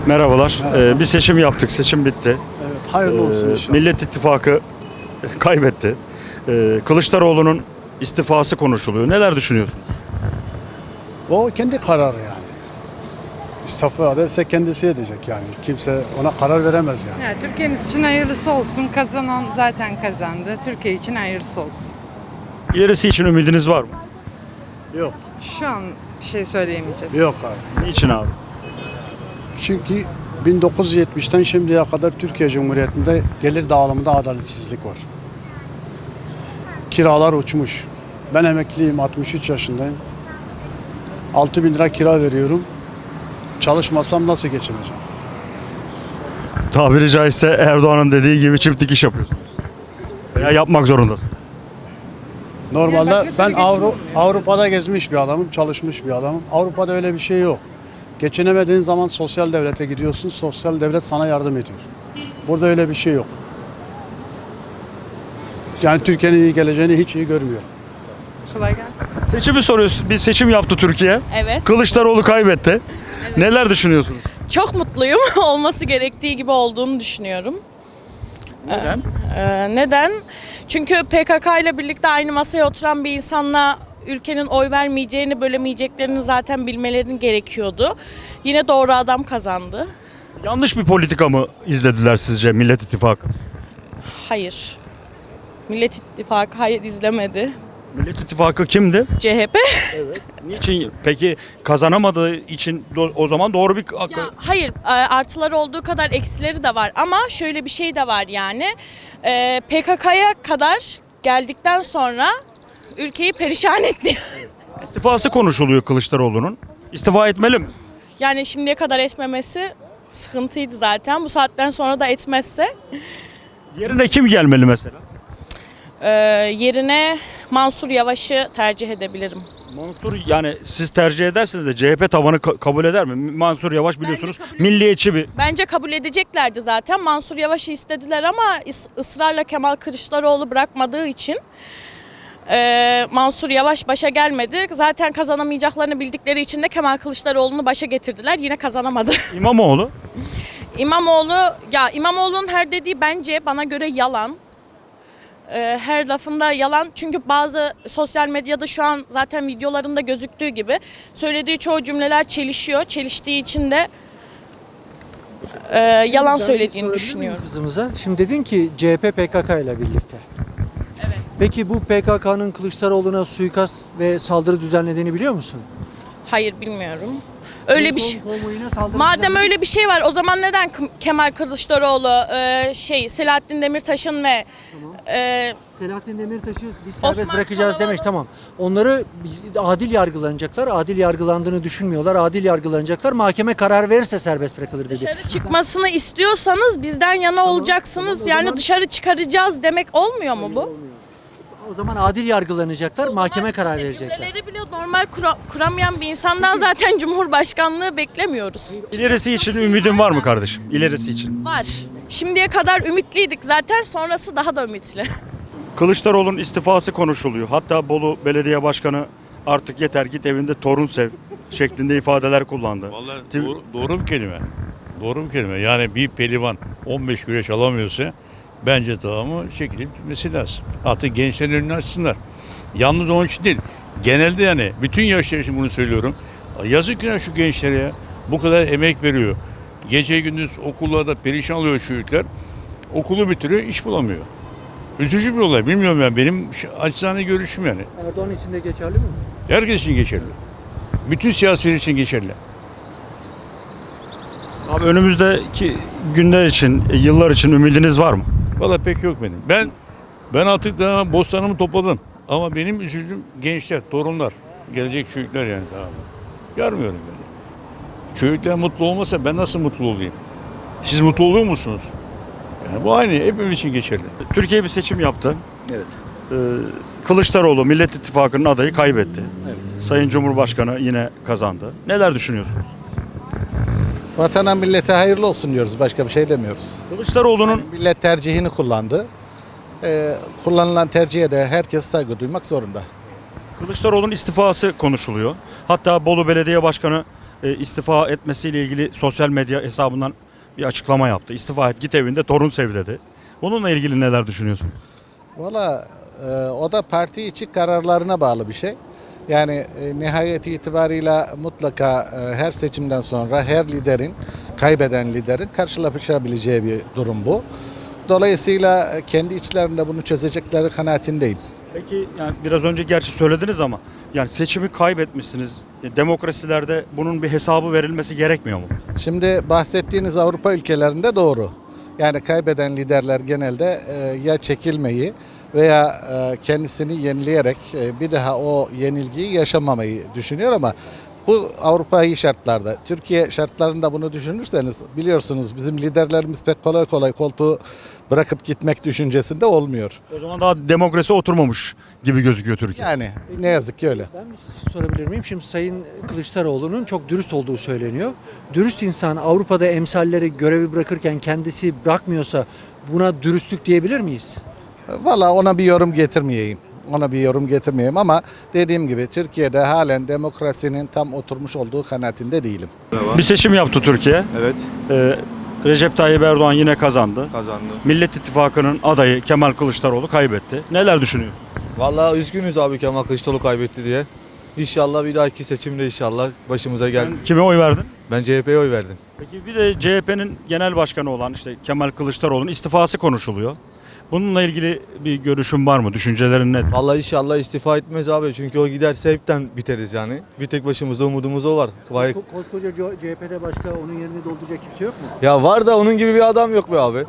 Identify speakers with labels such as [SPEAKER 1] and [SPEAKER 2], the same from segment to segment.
[SPEAKER 1] Merhabalar. Bir seçim yaptık. Seçim bitti.
[SPEAKER 2] Evet, hayırlı olsun inşallah.
[SPEAKER 1] Millet İttifakı kaybetti. Kılıçdaroğlu'nun istifası konuşuluyor. Neler düşünüyorsunuz?
[SPEAKER 2] O kendi kararı yani. İstifa ederse kendisi edecek yani. Kimse ona karar veremez yani.
[SPEAKER 3] Ya, Türkiye'miz için hayırlısı olsun. Kazanan zaten kazandı. Türkiye için hayırlısı olsun.
[SPEAKER 1] İlerisi için ümidiniz var mı?
[SPEAKER 2] Yok.
[SPEAKER 3] Şu an bir şey söyleyemeyeceğiz.
[SPEAKER 2] Yok abi.
[SPEAKER 1] Niçin abi?
[SPEAKER 2] Çünkü 1970'ten şimdiye kadar Türkiye Cumhuriyeti'nde gelir dağılımında adaletsizlik var. Kiralar uçmuş. Ben emekliyim, 63 yaşındayım. 6.000 lira kira veriyorum. Çalışmasam nasıl geçineceğim?
[SPEAKER 1] Tabiri caizse Erdoğan'ın dediği gibi çift dikiş yapıyorsunuz. Veya yapmak zorundasınız.
[SPEAKER 2] Normalde
[SPEAKER 3] Yani
[SPEAKER 2] ben
[SPEAKER 3] kötü bir geçim olmuyor.
[SPEAKER 2] Avrupa'da gezmiş bir adamım, çalışmış bir adamım. Avrupa'da öyle bir şey yok. Geçinemediğin zaman sosyal devlete gidiyorsun, sosyal devlet sana yardım ediyor. Burada öyle bir şey yok. Yani Türkiye'nin iyi geleceğini hiç iyi görmüyorum.
[SPEAKER 3] Kolay gelsin.
[SPEAKER 1] Seçimi soruyoruz. Bir seçim yaptı Türkiye.
[SPEAKER 4] Evet.
[SPEAKER 1] Kılıçdaroğlu kaybetti. Neler düşünüyorsunuz?
[SPEAKER 4] Çok mutluyum. Olması gerektiği gibi olduğunu düşünüyorum.
[SPEAKER 1] Neden?
[SPEAKER 4] Neden? Çünkü PKK ile birlikte aynı masaya oturan bir insanla ülkenin oy vermeyeceğini, bölemeyeceklerini zaten bilmelerinin gerekiyordu. Yine doğru adam kazandı.
[SPEAKER 1] Yanlış bir politika mı izlediler sizce Millet İttifakı?
[SPEAKER 4] Hayır. Millet İttifakı hayır izlemedi.
[SPEAKER 1] Millet İttifakı kimdi?
[SPEAKER 4] CHP.
[SPEAKER 1] Niçin? Peki kazanamadığı için o zaman doğru bir...
[SPEAKER 4] Ya, hayır, artıları olduğu kadar eksileri de var ama şöyle bir şey de var yani. PKK'ya kadar geldikten sonra ülkeyi perişan etti.
[SPEAKER 1] İstifası konuşuluyor Kılıçdaroğlu'nun. İstifa etmeli mi?
[SPEAKER 4] Yani şimdiye kadar etmemesi sıkıntıydı zaten. Bu saatten sonra da etmezse
[SPEAKER 1] Yerine kim gelmeli mesela?
[SPEAKER 4] yerine Mansur Yavaş'ı tercih edebilirim.
[SPEAKER 1] Mansur, yani siz tercih edersiniz de CHP tabanı kabul eder mi? Mansur Yavaş biliyorsunuz
[SPEAKER 4] kabul
[SPEAKER 1] milliyetçi bir...
[SPEAKER 4] Bence kabul edeceklerdi zaten. Mansur Yavaş'ı istediler ama ısrarla Kemal Kılıçdaroğlu bırakmadığı için Mansur Yavaş başa gelmedi. Zaten kazanamayacaklarını bildikleri için de Kemal Kılıçdaroğlu'nu başa getirdiler. Yine kazanamadı.
[SPEAKER 1] İmamoğlu.
[SPEAKER 4] İmamoğlu'nun her dediği bence bana göre yalan. Her lafında yalan, çünkü bazı sosyal medyada şu an zaten videolarında gözüktüğü gibi söylediği çoğu cümleler çelişiyor. Çeliştiği için de yalan söylediğini düşünüyorum.
[SPEAKER 5] Kızımıza. Şimdi dedin ki CHP PKK ile birlikte.
[SPEAKER 4] Evet.
[SPEAKER 5] Peki bu PKK'nın Kılıçdaroğlu'na suikast ve saldırı düzenlediğini biliyor musun?
[SPEAKER 4] Hayır, bilmiyorum. Öyle bir şey.
[SPEAKER 5] Konvoyuna saldırı
[SPEAKER 4] Madem
[SPEAKER 5] düzenledi.
[SPEAKER 4] öyle bir şey var, o zaman neden Kemal Kılıçdaroğlu, Selahattin Demirtaş'ın ve
[SPEAKER 5] Selahattin Demirtaş'ı biz serbest
[SPEAKER 4] Osman
[SPEAKER 5] bırakacağız
[SPEAKER 4] Kavala'nın-
[SPEAKER 5] demiş, tamam. Onları adil yargılanacaklar. Adil yargılandığını düşünmüyorlar. Adil yargılanacaklar. Mahkeme karar verirse serbest bırakılır dedi.
[SPEAKER 4] dışarı çıkmasını istiyorsanız bizden yana olacaksınız.
[SPEAKER 5] tamam, o
[SPEAKER 4] Yani
[SPEAKER 5] zaman-
[SPEAKER 4] dışarı çıkaracağız demek olmuyor mu bu?
[SPEAKER 5] O zaman adil yargılanacaklar. Mahkeme
[SPEAKER 4] İşte
[SPEAKER 5] karar verecekler.
[SPEAKER 4] Cümleleri bile normal kuramayan bir insandan zaten Cumhurbaşkanlığı beklemiyoruz.
[SPEAKER 1] İlerisi için ümidin var mı kardeşim? İlerisi için.
[SPEAKER 4] Var. Şimdiye kadar ümitliydik zaten, sonrası daha da ümitli.
[SPEAKER 1] Kılıçdaroğlu'nun istifası konuşuluyor. Hatta Bolu Belediye Başkanı artık yeter git evinde torun sev şeklinde ifadeler kullandı.
[SPEAKER 6] Vallahi doğru bir kelime. Doğru bir kelime. Yani bir pehlivan 15 güreş alamıyorsa bence tamamı çekilip gitmesi lazım. Artık gençlerin önünü açsınlar. Yalnız onun için değil. Genelde yani bütün yaşlar için bunu söylüyorum. Yazık ya şu gençlere ya. Bu kadar emek veriyor. Gece gündüz okullarda perişan oluyor şu çocuklar. Okulu bitiriyor, iş bulamıyor. Üzücü bir olay. Bilmiyorum ben. Benim acizane görüşüm yani.
[SPEAKER 5] Erdoğan için de geçerli mi?
[SPEAKER 6] Herkes için geçerli. Bütün siyasiler için geçerli.
[SPEAKER 1] Abi önümüzdeki günler için, yıllar için ümidiniz var mı?
[SPEAKER 6] Valla pek yok benim. Ben artık daha bostanımı topladım. Ama benim üzüldüğüm gençler, torunlar. Gelecek çocuklar yani, tamam mı? Görmüyorum beni. Çocuklar mutlu olmasa ben nasıl mutlu olayım? Siz mutlu oluyor musunuz? Yani bu aynı. Hepimiz için geçerli.
[SPEAKER 1] Türkiye bir seçim yaptı.
[SPEAKER 2] Evet.
[SPEAKER 1] Kılıçdaroğlu Millet İttifakı'nın adayı kaybetti.
[SPEAKER 2] Evet.
[SPEAKER 1] Sayın Cumhurbaşkanı yine kazandı. Neler düşünüyorsunuz?
[SPEAKER 7] Vatana millete hayırlı olsun diyoruz. Başka bir şey demiyoruz.
[SPEAKER 1] Kılıçdaroğlu'nun
[SPEAKER 7] Millet tercihini kullandı. Kullanılan tercihe de herkes saygı duymak zorunda.
[SPEAKER 1] Kılıçdaroğlu'nun istifası konuşuluyor. Hatta Bolu Belediye Başkanı istifa etmesiyle ilgili sosyal medya hesabından bir açıklama yaptı. İstifa et, git evinde torun sev dedi. Bununla ilgili neler düşünüyorsun?
[SPEAKER 7] Valla o da parti içi kararlarına bağlı bir şey. Yani nihayet itibarıyla mutlaka her seçimden sonra her liderin, kaybeden liderin karşılaşabileceği bir durum bu. Dolayısıyla kendi içlerinde bunu çözecekleri kanaatindeyim.
[SPEAKER 1] Peki yani biraz önce gerçi söylediniz ama yani seçimi kaybetmişsiniz. Demokrasilerde bunun bir hesabı verilmesi gerekmiyor mu?
[SPEAKER 7] Şimdi bahsettiğiniz Avrupa ülkelerinde doğru. Yani kaybeden liderler genelde ya çekilmeyi veya kendisini yenileyerek bir daha o yenilgiyi yaşamamayı düşünüyor ama bu Avrupa'yı şartlarda. Türkiye şartlarında bunu düşünürseniz biliyorsunuz bizim liderlerimiz pek kolay kolay koltuğu bırakıp gitmek düşüncesinde olmuyor.
[SPEAKER 1] O zaman daha demokrasi oturmamış gibi gözüküyor Türkiye.
[SPEAKER 7] Yani ne yazık ki öyle.
[SPEAKER 5] Ben bir şey sorabilir miyim? Şimdi Sayın Kılıçdaroğlu'nun çok dürüst olduğu söyleniyor. Dürüst insan Avrupa'da emsalleri görevi bırakırken kendisi bırakmıyorsa buna dürüstlük diyebilir miyiz?
[SPEAKER 7] Valla ona bir yorum getirmeyeyim. Ama dediğim gibi Türkiye'de halen demokrasinin tam oturmuş olduğu kanaatinde değilim.
[SPEAKER 1] Bir seçim yaptı Türkiye.
[SPEAKER 8] Evet,
[SPEAKER 1] Recep Tayyip Erdoğan yine kazandı.
[SPEAKER 8] kazandı.
[SPEAKER 1] Millet İttifakı'nın adayı Kemal Kılıçdaroğlu kaybetti. Neler düşünüyorsun?
[SPEAKER 8] Vallahi üzgünüz abi Kemal Kılıçdaroğlu kaybetti diye. İnşallah bir dahaki seçimde inşallah başımıza gel.
[SPEAKER 1] Sen kime oy verdin?
[SPEAKER 8] Ben CHP'ye oy verdim.
[SPEAKER 1] Peki bir de CHP'nin genel başkanı olan işte Kemal Kılıçdaroğlu'nun istifası konuşuluyor. Bununla ilgili bir görüşün var mı? Düşüncelerin nedir?
[SPEAKER 8] Vallahi inşallah istifa etmez abi çünkü o giderse hepten biteriz yani. Bir tek başımızda umudumuz o var.
[SPEAKER 5] Koskoca CHP'de başka onun yerini dolduracak kimse yok mu?
[SPEAKER 8] Ya var da onun gibi bir adam yok be abi.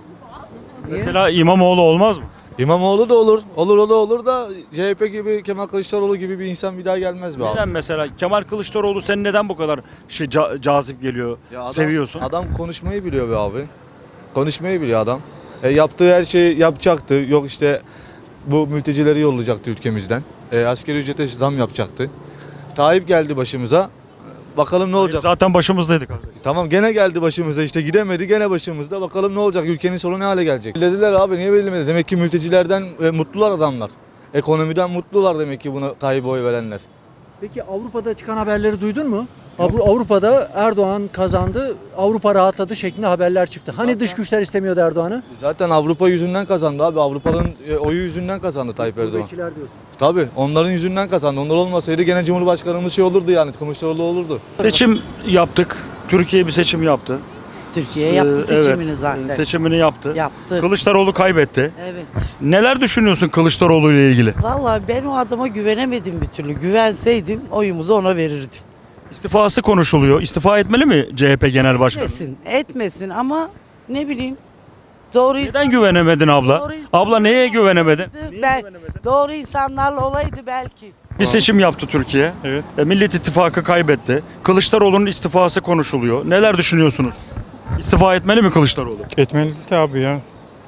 [SPEAKER 1] Mesela İmamoğlu olmaz mı?
[SPEAKER 8] İmamoğlu da olur. Olur o da olur da CHP gibi Kemal Kılıçdaroğlu gibi bir insan bir daha gelmez be abi.
[SPEAKER 1] Neden mesela Kemal Kılıçdaroğlu senin neden bu kadar cazip geliyor,
[SPEAKER 8] Ya adam,
[SPEAKER 1] seviyorsun?
[SPEAKER 8] Adam konuşmayı biliyor be abi. Konuşmayı biliyor adam. Yaptığı her şeyi yapacaktı. Yok işte bu mültecileri yollayacaktı ülkemizden. Asgari ücrete zam yapacaktı. Tayyip geldi başımıza. Bakalım ne olacak.
[SPEAKER 1] Zaten başımızdaydı kardeşim.
[SPEAKER 8] Tamam gene geldi başımıza işte gidemedi gene başımızda. Bakalım ne olacak? Ülkenin sonu ne hale gelecek? Belirlediler abi niye belirlemedi? Demek ki mültecilerden mutlular adamlar. Ekonomiden mutlular demek ki buna Tayyip'e oy verenler.
[SPEAKER 5] Peki Avrupa'da çıkan haberleri duydun mu? Avrupa'da Erdoğan kazandı, Avrupa rahatladı şeklinde haberler çıktı. Hani dış güçler istemiyordu Erdoğan'ı?
[SPEAKER 8] Zaten Avrupa yüzünden kazandı abi. Avrupa'nın oyu yüzünden kazandı Tayyip Erdoğan.
[SPEAKER 5] Gurbetçiler diyorsun.
[SPEAKER 8] Tabii onların yüzünden kazandı. Onlar olmasaydı gene Cumhurbaşkanımız şey olurdu yani Kılıçdaroğlu olurdu.
[SPEAKER 1] Seçim yaptık. Türkiye bir seçim yaptı.
[SPEAKER 9] Türkiye yaptı seçimini
[SPEAKER 1] Evet,
[SPEAKER 9] zaten.
[SPEAKER 1] seçimini yaptı.
[SPEAKER 9] Yaptı.
[SPEAKER 1] Kılıçdaroğlu kaybetti.
[SPEAKER 9] Evet.
[SPEAKER 1] Neler düşünüyorsun Kılıçdaroğlu ile ilgili?
[SPEAKER 9] Vallahi ben o adama güvenemedim bir türlü. Güvenseydim oyumu da ona verirdim.
[SPEAKER 1] İstifası konuşuluyor. İstifa etmeli mi CHP Genel Başkanı?
[SPEAKER 9] Etmesin ama ne bileyim. Doğru
[SPEAKER 1] Neden güvenemedin abla?
[SPEAKER 9] Doğru insan-
[SPEAKER 1] Abla neye güvenemedin?
[SPEAKER 9] ben doğru insanlarla olaydı belki.
[SPEAKER 1] Bir seçim yaptı Türkiye.
[SPEAKER 10] Evet.
[SPEAKER 1] Millet İttifakı kaybetti. Kılıçdaroğlu'nun istifası konuşuluyor. Neler düşünüyorsunuz? İstifa etmeli mi Kılıçdaroğlu?
[SPEAKER 10] Etmeli de abi ya.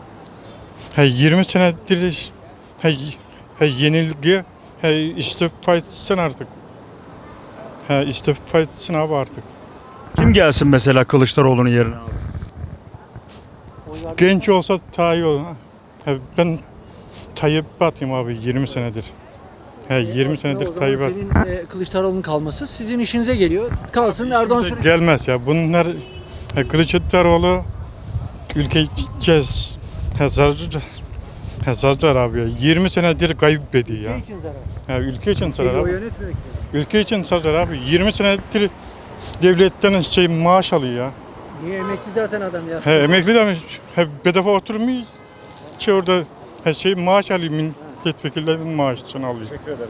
[SPEAKER 10] 20 senedir yenilgi istifa etsin artık. İstifa etsin abi artık.
[SPEAKER 1] Kim gelsin mesela Kılıçdaroğlu'nun yerine abi?
[SPEAKER 10] Genç olsa daha iyi olur. Ben Tayyip'e atayım abi 20 senedir. 20 senedir
[SPEAKER 5] O zaman
[SPEAKER 10] Tayyip'e
[SPEAKER 5] senin Kılıçdaroğlu'nun kalması sizin işinize geliyor. Kalsın Erdoğan sürekli.
[SPEAKER 10] gelmez ya. Bunlar Kılıçdaroğlu ülkeyi zarar abi ya. 20 senedir kaybediyor ya.
[SPEAKER 5] Ülke için zarar.
[SPEAKER 10] Ülke için zarar
[SPEAKER 5] Peki o
[SPEAKER 10] abi.
[SPEAKER 5] yönetmiyor ki.
[SPEAKER 10] Ülke için zarar abi. 20 senedir devletten maaş alıyor ya.
[SPEAKER 5] Niye emekli zaten adam ya?
[SPEAKER 10] Emekli de bedava oturmuyor ki orada maaş alıyor. Milletvekillerinin maaşını alıyor.